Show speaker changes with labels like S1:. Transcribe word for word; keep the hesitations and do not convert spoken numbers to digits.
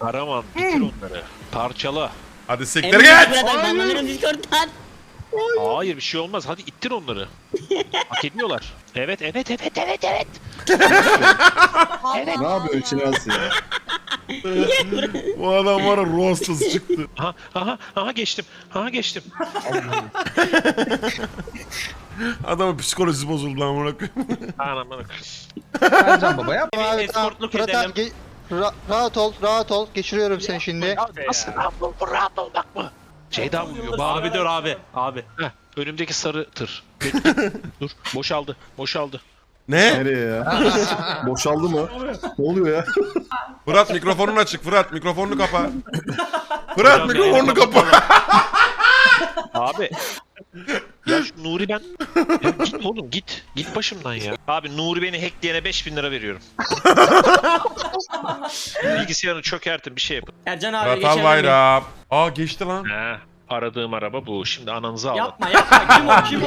S1: Karaman bitir onları. Parçala.
S2: Hadi siktir
S3: Emre
S2: git.
S3: bırak, banlanırım Discord'dan.
S1: Hayır bir şey olmaz. Hadi ittir onları. Hak ediyorlar. Evet evet evet evet evet.
S4: Ne yapıyorsun Şinasi ya?
S2: Bu adam var ya ruhsuz çıktı.
S1: Aha aha aha geçtim. Aha geçtim.
S2: Adamın psikolojisi bozuldu lan amına koyayım.
S1: Anam bak.
S5: Ercan baba yap.
S6: Abi,
S3: eskortluk
S6: Fırat
S3: edelim.
S6: abi, ge- ra- rahat ol, rahat ol. Geçiriyorum seni şimdi.
S1: Nasıl rahat ol, rahat olmak mı? Ceyda vuruyor. Bağır.
S3: Abi dur abi. Abi.
S1: Heh, önümdeki sarı tır. Dur. Boşaldı. Boşaldı.
S2: Ne?
S4: Nereye ya? Boşaldı mı? Ne oluyor ya?
S2: Fırat mikrofonun açık. Fırat mikrofonunu kapa. Fırat mikrofonunu kapa.
S1: Abi. Ya şu Nuri ben... Ya git oğlum git. Git başımdan ya. Abi Nuri beni hackleyene beş bin lira veriyorum. Bilgisayarını çökertin bir şey yapın.
S3: Ercan abi
S2: Fırat
S3: geçelim.
S2: Albayrak. Aa geçti lan.
S1: He. Aradığım araba bu. Şimdi ananızı ağlat.
S3: Yapma yapma. Kim o kim o?